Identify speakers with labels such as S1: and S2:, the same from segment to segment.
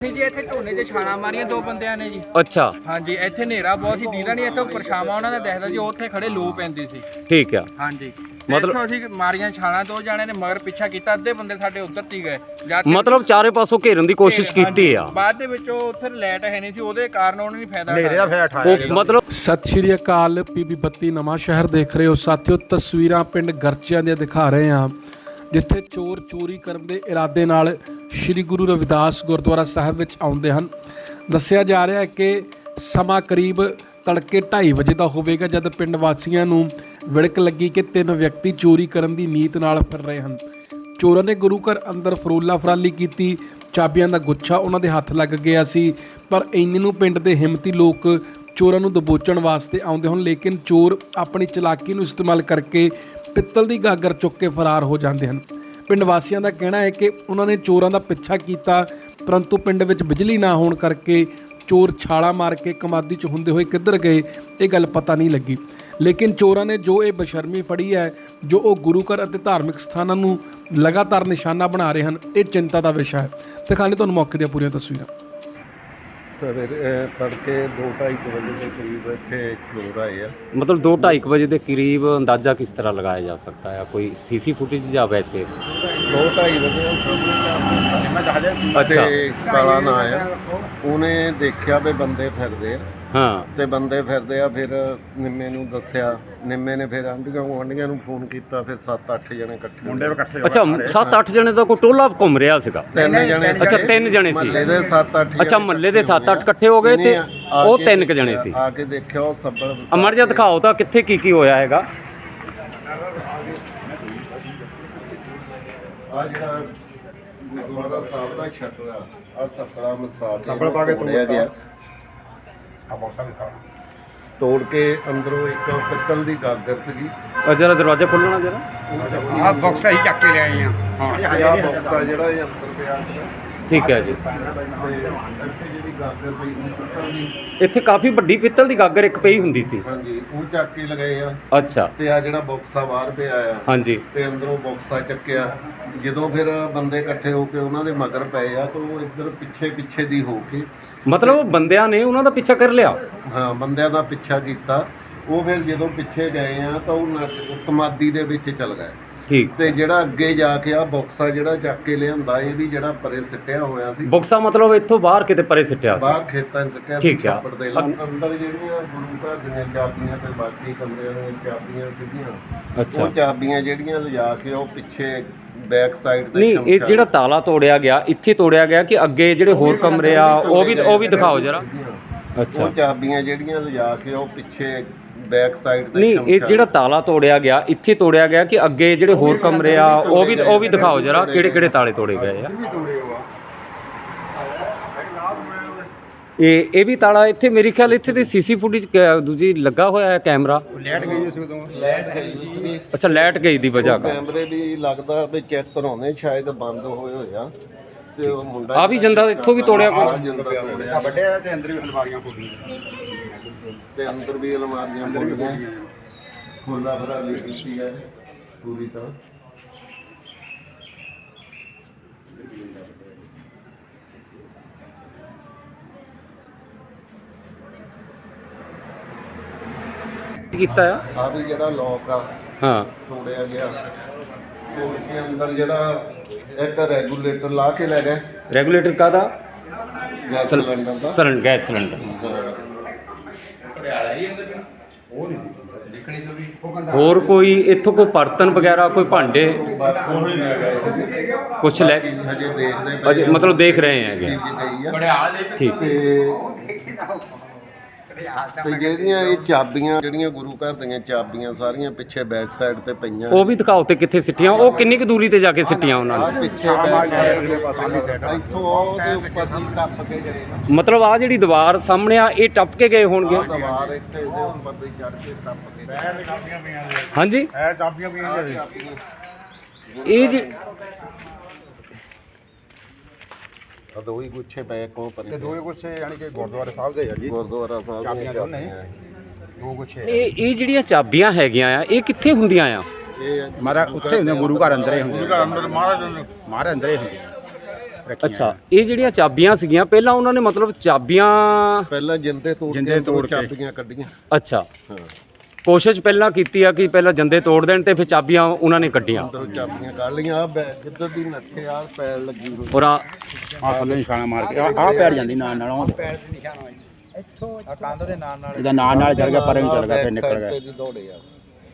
S1: जी ਇੱਥੇ ਝੋਨੇ 'ਚ ਛਾਲਾਂ ਮਾਰੀਆਂ ਦੋ ਬੰਦਿਆਂ ਨੇ ਜੀ।
S2: ਅੱਛਾ
S1: ਹਾਂਜੀ ਇੱਥੇ ਹਨੇਰਾ ਬਹੁਤ ਸੀ ਦੀਦਾ ਨਹੀਂ ਇੱਥੇ ਪਰਛਾਵਾਂ ਉਹਨਾਂ ਦਾ ਦਿਖਦਾ ਜੀ ਉੱਥੇ ਖੜੇ ਲੋ ਪੈਂਦੀ ਸੀ।
S2: ਠੀਕ ਆ
S1: ਹਾਂਜੀ
S2: ਮਤਲਬ
S1: ਅਸੀਂ ਮਾਰੀਆਂ ਛਾਲਾਂ ਦੋ ਜਾਣੇ ਨੇ ਮਗਰ ਪਿੱਛਾ ਕੀਤਾ ਅੱਧੇ ਬੰਦੇ ਸਾਡੇ ਉੱਧਰ ਤੀ ਗਏ
S2: ਮਤਲਬ ਚਾਰੇ ਪਾਸੋਂ ਘੇਰਨ ਦੀ ਕੋਸ਼ਿਸ਼ ਕੀਤੀ ਆ।
S1: ਬਾਅਦ ਦੇ ਵਿੱਚ ਉਹ ਉੱਥੇ ਲਾਈਟ ਹੈ ਨਹੀਂ ਸੀ ਉਹਦੇ ਕਾਰਨ ਉਹਨਾਂ ਨੇ ਫਾਇਦਾ
S2: ਉਹ ਮਤਲਬ
S3: ਸਤਿ ਸ਼੍ਰੀ ਅਕਾਲ ਪੀਬੀ 32 ਨਵਾਂ ਸ਼ਹਿਰ ਦੇਖ ਰਹੇ ਹੋ ਸਾਥੀਓ। ਤਸਵੀਰਾਂ ਪਿੰਡ ਗਰਚਿਆਂ ਦੀਆਂ ਦਿਖਾ ਰਹੇ ਹਾਂ ਜਿੱਥੇ ਚੋਰ ਚੋਰੀ ਕਰਨ ਦੇ ਇਰਾਦੇ ਨਾਲ ਸ਼੍ਰੀ ਗੁਰੂ ਰਵਿਦਾਸ ਗੁਰਦੁਆਰਾ ਸਾਹਿਬ ਵਿੱਚ ਆਉਂਦੇ ਹਨ। ਦੱਸਿਆ ਜਾ ਰਿਹਾ ਹੈ ਕਿ ਸਮਾਂ ਕਰੀਬ ਤੜਕੇ 2:30 ਵਜੇ ਦਾ ਹੋਵੇਗਾ ਜਦ ਪਿੰਡ ਵਾਸੀਆਂ ਨੂੰ ਵਿੜਕ ਲੱਗੀ ਕਿ 3 ਵਿਅਕਤੀ ਚੋਰੀ ਕਰਨ ਦੀ ਨੀਤ ਨਾਲ ਫਿਰ ਰਹੇ ਹਨ। ਚੋਰਾਂ ਨੇ ਗੁਰੂ ਘਰ ਅੰਦਰ ਫਰੋਲਾ ਫਰਾਲੀ ਕੀਤੀ, ਚਾਬੀਆਂ ਦਾ ਗੁੱਛਾ ਉਹਨਾਂ ਦੇ ਹੱਥ ਲੱਗ ਗਿਆ ਸੀ। ਪਰ ਇੰਨੇ ਨੂੰ ਪਿੰਡ ਦੇ ਹਿੰਮਤੀ ਲੋਕ ਚੋਰਾਂ ਨੂੰ ਦਬੋਚਣ ਵਾਸਤੇ ਆਉਂਦੇ ਹਨ, ਲੇਕਿਨ ਚੋਰ ਆਪਣੀ ਚਲਾਕੀ ਨੂੰ ਇਸਤੇਮਾਲ ਕਰਕੇ ਪਿੱਤਲ ਦੀ ਗਾਗਰ ਚੁੱਕ ਕੇ ਫਰਾਰ ਹੋ ਜਾਂਦੇ ਹਨ। ਪਿੰਡ ਵਾਸੀਆਂ ਦਾ ਕਹਿਣਾ ਹੈ ਕਿ ਉਹਨਾਂ ਨੇ ਚੋਰਾਂ ਦਾ ਪਿੱਛਾ ਕੀਤਾ, ਪਰੰਤੂ ਪਿੰਡ ਵਿੱਚ ਬਿਜਲੀ ਨਾ ਹੋਣ ਕਰਕੇ ਚੋਰ ਛਾਲਾ ਮਾਰ ਕੇ ਕਮਾਦੀ 'ਚ ਹੁੰਦੇ ਹੋਏ ਕਿੱਧਰ ਗਏ ਇਹ ਗੱਲ ਪਤਾ ਨਹੀਂ ਲੱਗੀ। ਲੇਕਿਨ ਚੋਰਾਂ ਨੇ ਜੋ ਇਹ ਬਸ਼ਰਮੀ ਫੜੀ ਹੈ, ਜੋ ਉਹ ਗੁਰੂ ਘਰ ਅਤੇ ਧਾਰਮਿਕ ਸਥਾਨਾਂ ਨੂੰ ਲਗਾਤਾਰ ਨਿਸ਼ਾਨਾ ਬਣਾ ਰਹੇ ਹਨ, ਇਹ ਚਿੰਤਾ ਦਾ ਵਿਸ਼ਾ ਹੈ। ਦਿਖਾਣੇ ਤੁਹਾਨੂੰ ਮੌਕੇ ਦੀਆਂ ਪੂਰੀਆਂ ਤਸਵੀਰਾਂ।
S4: ਸਵੇਰੇ ਤੜਕੇ 2:30 ਵਜੇ ਦੇ ਕਰੀਬ ਇੱਥੇ ਚੋਰ ਆਏ ਆ।
S2: ਮਤਲਬ 2:30 ਵਜੇ ਦੇ ਕਰੀਬ ਅੰਦਾਜ਼ਾ ਕਿਸ ਤਰ੍ਹਾਂ ਲਗਾਇਆ ਜਾ ਸਕਦਾ ਹੈ? ਕੋਈ ਸੀਸੀ ਫੁਟੇਜ ਜਾਂ ਵੈਸੇ?
S4: 2:30 ਵਜੇ
S2: ਅੱਛਾ
S4: ਕਾਲਾ ਨਾ ਆਇਆ, ਉਹਨੇ ਦੇਖਿਆ ਵੀ ਬੰਦੇ ਫਿਰਦੇ ਆ।
S2: ਹਾਂ
S4: ਤੇ ਬੰਦੇ ਫਿਰਦੇ ਆ, ਫਿਰ ਨਿੰਮੇ ਨੂੰ ਦੱਸਿਆ। ਨਿੰਮੇ ਨੇ ਫਿਰ ਆਂਢੀਆਂ ਨੂੰ ਫੋਨ ਕੀਤਾ, ਫਿਰ 7-8 ਜਣੇ ਇਕੱਠੇ ਮੁੰਡੇ ਇਕੱਠੇ।
S2: ਅੱਛਾ 7-8 ਜਣੇ ਦਾ ਕੋਈ ਟੋਲਾ ਘੁੰਮ ਰਿਹਾ ਸੀਗਾ?
S4: 3 ਜਣੇ।
S2: ਅੱਛਾ 3 ਜਣੇ ਸੀ
S4: ਮਹੱਲੇ ਦੇ 7-8।
S2: ਅੱਛਾ ਮਹੱਲੇ ਦੇ 7-8 ਇਕੱਠੇ ਹੋ ਗਏ ਤੇ ਉਹ 3 ਜਣੇ ਸੀ।
S4: ਆ ਕੇ ਦੇਖਿਆ ਉਹ ਸਭ
S2: ਅਮਰ ਜੀ ਦਿਖਾਓ ਤਾਂ ਕਿੱਥੇ ਕੀ ਹੋਇਆ ਹੈਗਾ।
S4: ਆ ਜਿਹੜਾ ਗੁਰਦੁਆਰਾ ਸਾਹਿਬ ਦਾ ਛੱਤਰ ਆ ਸੱਕੜਾ ਮਸਾਜ ਤੋੜਿਆ ਗਿਆ। ਤੋੜ ਕੇ ਅੰਦਰੋਂ ਇੱਕ ਪਿੱਤਲ ਦੀ ਗਾਗਰ ਸੀਗੀ।
S2: ਜਰਾ ਦਰਵਾਜ਼ਾ ਖੋਲਣਾ ਜਰਾ।
S1: ਆਹ ਬਾਕਸ ਅਸੀਂ ਚੱਕ ਕੇ ਲਿਆਏ ਆ।
S4: ਹਾਂ ਬਕਸਾ ਜਿਹੜਾ ਇਹ ਅੰਦਰ ਪਿਆ ਸੀਗਾ।
S2: ਠੀਕ ਹੈ ਜੀ।
S4: ਇੱਥੇ ਜਿਹੜੀ ਗਾਗਰ ਪਈ ਸੀ ਪਿੱਤਲ ਦੀ,
S2: ਇੱਥੇ ਕਾਫੀ ਵੱਡੀ ਪਿੱਤਲ ਦੀ ਗਾਗਰ ਇੱਕ ਪਈ ਹੁੰਦੀ ਸੀ।
S4: ਹਾਂਜੀ ਉਹ ਚੱਕ ਕੇ ਲਗਾਏ ਆ।
S2: ਅੱਛਾ
S4: ਤੇ ਆ ਜਿਹੜਾ ਬਕਸਾ ਬਾਹਰ ਪਿਆ ਆ,
S2: ਹਾਂਜੀ
S4: ਤੇ ਅੰਦਰੋਂ ਬਕਸਾ ਚੱਕਿਆ। ਜਦੋਂ ਫਿਰ ਬੰਦੇ ਇਕੱਠੇ ਹੋ ਕੇ ਉਹਨਾਂ ਦੇ ਮਗਰ ਪਏ ਆ, ਤਾਂ ਉਹ ਇੱਧਰ ਪਿੱਛੇ ਦੀ ਹੋ ਕੇ
S2: ਮਤਲਬ ਬੰਦਿਆਂ ਨੇ ਉਹਨਾਂ ਦਾ ਪਿੱਛਾ ਕਰ ਲਿਆ।
S4: ਹਾਂ ਬੰਦਿਆਂ ਦਾ ਪਿੱਛਾ ਕੀਤਾ। ਉਹ ਫਿਰ ਜਦੋਂ ਪਿੱਛੇ ਗਏ ਆ ਤਾਂ ਉਹ ਕਮਾਦੀ ਦੇ ਵਿੱਚ ਚਲ ਗਏ।
S2: ਠੀਕ।
S4: ਤੇ ਜਿਹੜਾ ਅੱਗੇ ਜਾ ਕੇ ਆ ਬਕਸਾ ਜਿਹੜਾ ਚੱਕ ਕੇ ਲਿਆਂਦਾ, ਇਹ ਵੀ ਜਿਹੜਾ ਪਰੇ ਸਿੱਟਿਆ ਹੋਇਆ ਸੀ।
S2: ਬਕਸਾ ਮਤਲਬ ਇੱਥੋਂ ਬਾਹਰ ਕਿਤੇ ਪਰੇ ਸਿੱਟਿਆ ਸੀ?
S4: ਬਾਹਰ ਖੇਤਾਂ 'ਚ ਸਿੱਟਿਆ ਸੀ।
S2: ਠੀਕ ਆ।
S4: ਛੱਪੜ ਦੇ ਅੰਦਰ ਜਿਹੜੀਆਂ ਗੁਰੂ ਘਰ ਦੀਆਂ ਚਾਬੀਆਂ ਤੇ ਬਾਕੀ ਕਮਰਿਆਂ ਦੀਆਂ ਚਾਬੀਆਂ ਸੀਗੀਆਂ,
S2: ਅੱਛਾ।
S4: ਉਹ ਚਾਬੀਆਂ ਜਿਹੜੀਆਂ ਲਿਜਾ ਕੇ ਉਹ ਪਿੱਛੇ ਬੈਕ ਸਾਈਡ ਤੇ
S2: ਨਹੀਂ ਇਹ ਜਿਹੜਾ ਤਾਲਾ ਤੋੜਿਆ ਗਿਆ ਇੱਥੇ ਤੋੜਿਆ ਗਿਆ ਕਿ ਅੱਗੇ ਜਿਹੜੇ ਹੋਰ ਕਮਰੇ ਆ ਉਹ ਵੀ ਦਿਖਾਓ ਜਰਾ। ਅੱਛਾ
S4: ਉਹ ਚਾਬੀਆਂ ਜਿਹੜੀਆਂ ਲਿਜਾ ਕੇ ਉਹ ਪਿੱਛੇ ਬੈਕ ਸਾਈਡ ਤੇ
S2: ਨਹੀਂ ਇਹ ਜਿਹੜਾ ਤਾਲਾ ਤੋੜਿਆ ਗਿਆ ਇੱਥੇ ਤੋੜਿਆ ਗਿਆ ਕਿ ਅੱਗੇ ਜਿਹੜੇ ਹੋਰ ਕਮਰੇ ਆ ਉਹ ਵੀ ਦਿਖਾਓ ਜਰਾ ਕਿਹੜੇ ਤਾਲੇ ਤੋੜੇ ਗਏ ਆ। ਇਹ ਵੀ ਤਾਲਾ ਇੱਥੇ ਮੇਰੇ ਖਿਆਲ ਇੱਥੇ ਤੇ ਸੀਸੀ ਫੁਟੇਜ ਦੂਜੀ ਲੱਗਾ ਹੋਇਆ ਹੈ ਕੈਮਰਾ।
S1: ਲਾਈਟ ਗਈ ਸੀ ਉਦੋਂ।
S4: ਲਾਈਟ ਗਈ ਸੀ।
S2: ਅੱਛਾ ਲਾਈਟ ਗਈ ਦੀ ਵਜ੍ਹਾ ਕਰ
S4: ਕੈਮਰੇ ਵੀ ਲੱਗਦਾ ਵੀ ਚੈੱਕ ਕਰਾਉਣੇ ਸ਼ਾਇਦ ਬੰਦ ਹੋਏ ਆ। ਤੇ ਉਹ ਮੁੰਡਾ
S2: ਆ ਵੀ ਜੰਦਾ ਇੱਥੋਂ ਵੀ ਤੋੜਿਆ ਕੋਈ?
S1: ਵੱਡੇ ਤੇ ਅੰਦਰ ਵੀ ਅਲਮਾਰੀਆਂ ਖੋਲੀਆਂ
S4: ਤੇ ਅੰਦਰ ਵੀ ਅਲਮਾਰੀਆਂ ਖੋਲੀਆਂ, ਖੋਲਾ ਫਰਾਲੀ ਕੀਤੀ ਹੈ ਪੂਰੀ ਤਰ੍ਹਾਂ।
S2: ਕੀਤਾ ਆ
S4: ਆ ਵੀ ਜਿਹੜਾ ਲੋਕ ਆ
S2: ਹਾਂ
S4: ਤੋੜਿਆ ਗਿਆ। ਤੋੜ ਕੇ ਅੰਦਰ ਜਿਹੜਾ ਇੱਕ ਰੈਗੂਲੇਟਰ ਲਾ ਕੇ ਲੈ ਗਏ।
S2: ਰੈਗੂਲੇਟਰ ਕਾਹਦਾ?
S4: ਗੈਸ ਸਿਲੰਡਰ ਦਾ।
S2: Gas cylinder. ਹੋਰ ਕੋਈ ਇੱਥੋਂ ਕੋਈ ਬਰਤਨ ਵਗੈਰਾ ਕੋਈ ਭਾਂਡੇ ਕੁਛ ਲੈ
S4: ਹਜੇ ਦੇਖਦੇ
S2: ਅਜੇ ਮਤਲਬ ਦੇਖ ਰਹੇ ਹੈਗੇ। ਠੀਕ।
S4: ਤੇ ਜਿਹੜੀਆਂ ਇਹ ਚਾਬੀਆਂ ਜਿਹੜੀਆਂ ਗੁਰੂ ਘਰ ਦੀਆਂ ਚਾਬੀਆਂ ਸਾਰੀਆਂ ਪਿੱਛੇ ਬੈਕ ਸਾਈਡ ਤੇ ਪਈਆਂ।
S2: ਉਹ ਵੀ ਦਿਖਾਓ ਤੇ ਕਿੱਥੇ ਸਿੱਟੀਆਂ? ਉਹ ਕਿੰਨੀ ਕੁ ਦੂਰੀ ਤੇ ਜਾ ਕੇ ਸਿੱਟੀਆਂ ਉਹਨਾਂ
S4: ਆ
S2: ਨੇ?
S4: ਪਿੱਛੇ ਇੱਥੋਂ ਉਹਦੇ ਉੱਪਰ ਦੀ ਟੱਪ ਕੇ ਗਏ ਨਾ।
S2: ਮਤਲਬ ਆ ਜਿਹੜੀ ਦੀਵਾਰ ਸਾਹਮਣੇ ਆ ਇਹ ਟੱਪ ਕੇ ਗਏ ਹੋਣਗੇ।
S4: ਆਹ ਦੀਵਾਰ ਇੱਥੇ ਇਹਦੇ ਉੱਪਰ ਦੀ ਚੜ੍ਹ ਕੇ ਟੱਪ ਕੇ ਗਏ।
S2: ਹਾਂਜੀ
S1: ਇਹ ਚਾਬੀਆਂ ਪਈਆਂ
S2: ਇਹ ਜੀ
S4: ਆ ਦੋ ਹੀ ਗੁੱਛੇ ਪਏ ਕੋ ਪਰ
S1: ਤੇ ਦੋਏ ਗੁੱਛੇ ਯਾਨੀ ਕਿ ਗੁਰਦੁਆਰਾ ਸਾਹਿਬ ਦੇ ਆ ਜੀ।
S4: ਗੁਰਦੁਆਰਾ ਸਾਹਿਬ ਦੀਆਂ
S1: ਚਾਬੀਆਂ ਦੋ ਗੁੱਛੇ।
S2: ਇਹ ਜਿਹੜੀਆਂ ਚਾਬੀਆਂ ਹੈਗੀਆਂ ਆ ਇਹ ਕਿੱਥੇ ਹੁੰਦੀਆਂ ਆ?
S4: ਇਹ
S1: ਮਾਰਾ ਉੱਥੇ ਹੁੰਦੇ ਗੁਰੂ ਘਰ ਅੰਦਰ ਹੀ ਹੁੰਦੇ। ਗੁਰੂ ਘਰ ਅੰਦਰ ਮਹਾਰਾਜ ਅੰਦਰ ਹੀ ਹੁੰਦੇ।
S5: ਰੱਖੀਆਂ
S2: ਅੱਛਾ, ਇਹ ਜਿਹੜੀਆਂ ਚਾਬੀਆਂ ਸੀਗੀਆਂ ਪਹਿਲਾਂ ਉਹਨਾਂ ਨੇ ਮਤਲਬ ਚਾਬੀਆਂ
S4: ਪਹਿਲਾਂ ਜਿੰਦੇ ਤੋੜ
S5: ਜਿੰਦੇ
S4: ਕੇ
S5: ਤੋੜ ਕੇ।
S4: ਚਾਬੀਆਂ ਕੱਢੀਆਂ।
S2: ਅੱਛਾ,
S4: ਹਾਂ,
S2: ਕੋਸ਼ਿਸ਼ ਪਹਿਲਾਂ ਕੀਤੀ ਆ ਕਿ ਪਹਿਲਾਂ ਜੰਦੇ ਤੋੜ ਦੇਣ ਤੇ ਫਿਰ ਚਾਬੀਆਂ ਉਹਨਾਂ ਨੇ ਕੱਢੀਆਂ।
S4: ਅੰਦਰੋਂ ਚਾਬੀਆਂ ਕੱਢ ਲਈਆਂ। ਆ ਜਿੱਧਰ ਦੀ ਨੱਠੇ ਆ ਪੈਰ ਲੱਗੀ ਹੋਈ।
S2: ਔਰ
S5: ਆ ਥੱਲੇ ਨਿਸ਼ਾਨਾ ਮਾਰ ਕੇ ਆ ਪੈਰ ਜਾਂਦੀ ਨਾਲ ਉਹ
S1: ਆ ਕੰਧ ਦੇ ਨਾਲ ਨਾਲ
S5: ਇਹਦਾ ਨਾਲ ਚੱਲ ਗਿਆ ਪਰੇ ਨੂੰ ਚੱਲ ਗਿਆ ਫਿਰ
S4: Back
S5: ਨਿਕਲ
S4: side
S5: ਗਿਆ।
S4: ਤੇ ਜੀ ਦੌੜੇ ਆ।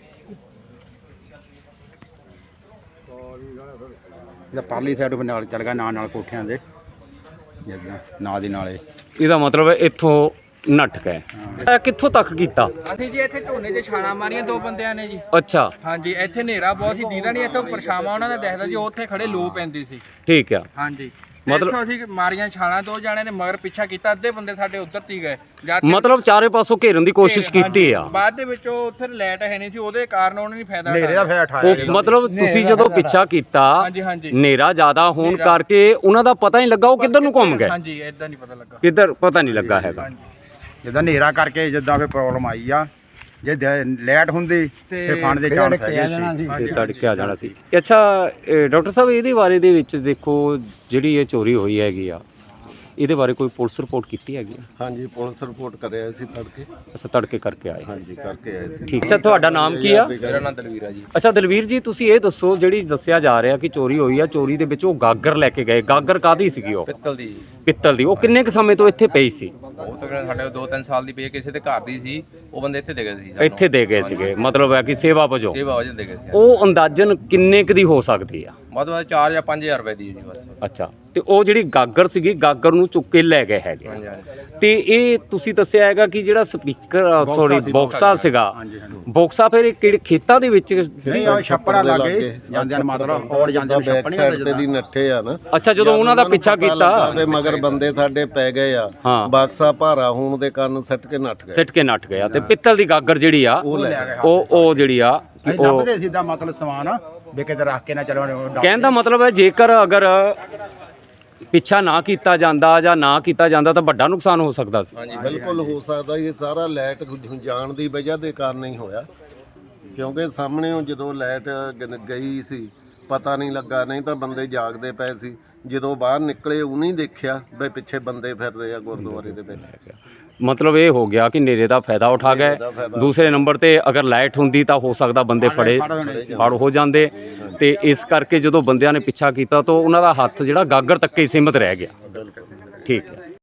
S5: ਇਹਦਾ ਪਰਲੀ ਸਾਈਡ ਤੋਂ ਨਾਲ ਚੱਲ ਗਿਆ ਨਾਲ ਕੋਠਿਆਂ ਦੇ ਜਿੱਦਾਂ ਨਾਲ ਦੀ ਨਾਲੇ।
S2: ਇਹਦਾ ਮਤਲਬ ਇੱਥੋਂ ਨੱਠ ਗਏ। ਇਹ ਕਿੱਥੋਂ ਤੱਕ ਕੀਤਾ?
S1: ਅਸੀਂ ਜੀ ਇੱਥੇ ਝੋਨੇ 'ਚ ਛਾਲਾਂ ਮਾਰੀਆਂ ਦੋ ਬੰਦਿਆਂ ਨੇ ਜੀ।
S2: ਅੱਛਾ,
S1: ਹਾਂਜੀ, ਇੱਥੇ ਹਨੇਰਾ ਬਹੁਤ ਸੀ, ਦੀਦਾ ਨਹੀਂ ਇੱਥੋਂ ਪਰਛਾਵਾਂ ਉਹਨਾਂ ਦਾ ਦਿਖਦਾ ਜੀ, ਉੱਥੇ ਖੜੇ ਲੋ ਪੈਂਦੀ ਸੀ।
S2: ਠੀਕ ਆ।
S1: ਹਾਂਜੀ,
S2: ਮਤਲਬ-
S1: ਮਤਲਬ ਅਸੀਂ ਮਾਰੀਆਂ ਛਾਲਾਂ, ਦੋ ਜਾਣੇ ਨੇ ਮਗਰ ਪਿੱਛਾ ਕੀਤਾ, ਅੱਧੇ ਬੰਦੇ ਸਾਡੇ ਉੱਧਰ ਤੀ ਗਏ। ਜਦ ਤੱਕ
S2: ਮਤਲਬ ਚਾਰੇ ਪਾਸੋਂ ਘੇਰਨ ਦੀ ਕੋਸ਼ਿਸ਼ ਕੀਤੀ ਆ।
S1: ਬਾਅਦ ਦੇ ਵਿੱਚ ਉਹ ਉੱਥੇ ਲਾਈਟ ਹੈ ਨਹੀਂ ਸੀ, ਉਹਦੇ ਕਾਰਨ ਉਹਨਾਂ ਨੇ ਫਾਇਦਾ
S5: ਹਨੇਰੇ ਦਾ
S1: ਉਠਾਇਆ।
S5: ਫੇਰ ਉਠਾਇਆ
S2: ਉਹ ਮਤਲਬ ਤੁਸੀਂ ਜਦੋਂ ਪਿੱਛਾ ਕੀਤਾ
S1: ਹਾਂਜੀ ਹਾਂਜੀ
S2: ਹਨੇਰਾ ਜ਼ਿਆਦਾ ਹੋਣ ਕਰਕੇ ਉਹਨਾਂ ਦਾ ਪਤਾ ਨਹੀਂ ਲੱਗਾ ਉਹ ਕਿੱਧਰ ਨੂੰ ਘੁੰਮ ਗਏ।
S1: ਹਾਂਜੀ, ਇਦਾਂ ਨਹੀਂ ਪਤਾ ਲੱਗਾ।
S2: ਕਿੱਧਰ ਪਤਾ ਨਹੀਂ ਲੱਗਾ ਹੈਗਾ।
S1: ਹਾਂਜੀ,
S5: ਜਿੱਦਾਂ ਹਨੇਰਾ ਕਰਕੇ ਜਿੱਦਾਂ ਫੇਰ ਪ੍ਰੋਬਲਮ ਆਈ ਆ। ਜੇ ਲਾਈਟ ਹੁੰਦੀ ਤੇ ਫੰਡ ਦੇ ਚਾਂਸ ਹੈਗੇ ਸੀ।
S2: ਇਹ ਤੜਕੇ ਆ ਜਾਣਾ ਸੀ। ਅੱਛਾ, ਡਾਕਟਰ ਸਾਹਿਬ ਇਹਦੇ ਬਾਰੇ ਦੇ ਵਿੱਚ ਦੇਖੋ ਜਿਹੜੀ ਇਹ ਚੋਰੀ ਹੋਈ ਹੈਗੀ ਆ, ਇਹਦੇ ਬਾਰੇ ਕੋਈ ਪੁਲਿਸ ਰਿਪੋਰਟ ਕੀਤੀ ਹੈਗੀ ਆ?
S4: ਹਾਂਜੀ, ਪੁਲਿਸ ਰਿਪੋਰਟ ਕਰਿਆ ਸੀ ਤੜਕੇ।
S2: ਅੱਛਾ, ਤੜਕੇ ਕਰਕੇ ਆਏ।
S4: ਹਾਂਜੀ, ਕਰਕੇ ਆਏ ਸੀ।
S2: ਠੀਕ। ਅੱਛਾ, ਤੁਹਾਡਾ ਨਾਮ ਕੀ ਆ?
S1: ਮੇਰਾ ਨਾਮ ਦਲਵੀਰ ਆ ਜੀ।
S2: ਅੱਛਾ ਦਲਵੀਰ ਜੀ, ਤੁਸੀਂ ਇਹ ਦੱਸੋ ਜਿਹੜੀ ਦੱਸਿਆ ਜਾ ਰਿਹਾ ਕਿ ਚੋਰੀ ਹੋਈ ਆ, ਚੋਰੀ ਦੇ ਵਿੱਚ ਉਹ ਗਾਗਰ ਲੈ ਕੇ ਗਏ। ਗਾਗਰ ਕਾਹਦੀ ਸੀਗੀ ਉਹ?
S1: ਪਿੱਤਲ ਦੀ।
S2: ਪਿੱਤਲ ਦੀ। ਉਹ ਕਿੰਨੇ ਕੁ ਸਮੇਂ ਤੋਂ ਇੱਥੇ ਪਈ ਸੀ?
S1: ਉਹ ਤਕਰੀਬਨ ਸਾਡੇ 2-3 ਸਾਲ ਦੀ ਪਈ, ਕਿਸੇ ਦੇ ਘਰ ਦੀ ਸੀ। ਉਹ ਬੰਦੇ ਇੱਥੇ ਦੇ ਗਏ ਸੀ,
S2: ਇੱਥੇ ਦੇ ਗਏ ਸੀਗੇ, ਮਤਲਬ ਹੈ ਕਿ ਸੇਵਾ ਵਜੋਂ।
S1: ਸੇਵਾ ਵਜੋਂ ਦੇ ਗਏ ਸੀ।
S2: ਉਹ ਅੰਦਾਜ਼ਨ ਕਿੰਨੇ ਕੁ ਦੀ ਹੋ ਸਕਦੀ ਆ?
S1: ਵੱਧ 4 ਜਾਂ 5000 ਰੁਪਏ ਦੀ ਜੀ ਬਸ।
S2: ਅੱਛਾ, ਤੇ ਉਹ ਜਿਹੜੀ ਗਾਗਰ ਸੀਗੀ, ਗਾਗਰ ਨੂੰ ਚੁੱਕ ਕੇ ਲੈ ਗਏ ਹੈਗੇ।
S1: ਹਾਂਜੀ ਹਾਂਜੀ।
S2: ਤੇ ਇਹ ਤੁਸੀਂ ਦੱਸਿਆ ਹੈਗਾ ਕਿ ਜਿਹੜਾ ਸਪੀਕਰ ਸੌਰੀ ਬੌਕਸਾ ਸੀਗਾ, ਬੌਕਸਾ ਫਿਰ ਇਹ ਕਿਹੜੇ ਖੇਤਾਂ ਦੇ ਵਿੱਚ
S5: ਨਹੀਂ ਆ ਛੱਪੜਾ ਲਾਗੇ ਜਾਂਦੇ ਮਤਲਬ ਔਰ ਜਾਂਦੇ
S4: ਬੈਕ
S5: ਛੱਪੜੀਆਂ
S4: ਸਾਈਡ ਤੇ ਦੀ ਨੱਠੇ ਆ ਨਾ।
S2: ਅੱਛਾ, ਜਦੋਂ ਉਹਨਾਂ ਦਾ ਪਿੱਛਾ ਕੀਤਾ
S4: ਤੇ ਮਗਰ ਬੰਦੇ ਸਾਡੇ ਪੈ ਗਏ ਆ।
S2: ਹਾਂ।
S4: ਬਾਕਸਾ ਭਾਰਾ ਹੋਣ ਦੇ ਕਾਰਨ ਸੱਟ ਕੇ ਨੱਠ ਗਏ।
S2: ਸਿੱਟ ਕੇ ਨੱਠ ਗਿਆ ਤੇ ਪਿੱਤਲ ਦੀ ਗਾਗਰ ਜਿਹੜੀ ਆ
S4: ਉਹ ਲੈ ਗਏ।
S2: ਉਹ ਜਿਹੜੀ ਆ ਕਿ ਉਹ
S5: ਲੱਭਦੇ ਸਿੱਧਾ ਮਤਲਬ ਸਮਾਨ ਵੀ ਕਿਤੇ ਰੱਖ ਕੇ ਨਾ ਚਲੋ
S2: ਕਹਿਣ ਦਾ ਮਤਲਬ ਹੈ ਜੇਕਰ ਅਗਰ ਪਿੱਛਾ ਨਾ ਕੀਤਾ ਜਾਂਦਾ ਜਾਂ ਨਾ ਕੀਤਾ ਜਾਂਦਾ ਤਾਂ ਵੱਡਾ ਨੁਕਸਾਨ ਹੋ ਸਕਦਾ ਸੀ।
S4: ਬਿਲਕੁਲ ਹੋ ਸਕਦਾ। ਇਹ ਸਾਰਾ ਲਾਈਟ ਜਾਣ ਦੀ ਵਜ੍ਹਾ ਦੇ ਕਾਰਨ ਹੀ ਹੋਇਆ, ਕਿਉਂਕਿ ਸਾਹਮਣੇ ਜਦੋਂ ਲਾਈਟ ਗਈ ਸੀ ਪਤਾ ਨਹੀਂ ਲੱਗਾ, ਨਹੀਂ ਤਾਂ ਬੰਦੇ ਜਾਗਦੇ ਪਏ ਸੀ। ਜਦੋਂ ਬਾਹਰ ਨਿਕਲੇ ਉਹਨੇ ਦੇਖਿਆ ਵੀ ਪਿੱਛੇ ਬੰਦੇ ਫਿਰਦੇ ਆ ਗੁਰਦੁਆਰੇ ਦੇ ਵਿੱਚ।
S2: ਮਤਲਬ ਇਹ ਹੋ ਗਿਆ ਕਿ ਨੇਰੇ ਦਾ ਫਾਇਦਾ ਉਠਾ ਗਏ। ਦੂਸਰੇ ਨੰਬਰ ਤੇ ਅਗਰ ਲਾਈਟ ਹੁੰਦੀ ਤਾਂ ਹੋ ਸਕਦਾ ਬੰਦੇ ਫੜ ਹੋ ਜਾਂਦੇ, ਤੇ ਇਸ ਕਰਕੇ ਜਦੋਂ ਬੰਦਿਆਂ ਨੇ ਪਿੱਛਾ ਕੀਤਾ ਤਾਂ ਉਹਨਾਂ ਦਾ ਹੱਥ ਜਿਹੜਾ ਗਾਗਰ ਤੱਕ ਹੀ ਸੀਮਿਤ ਰਹਿ ਗਿਆ। ਠੀਕ ਹੈ।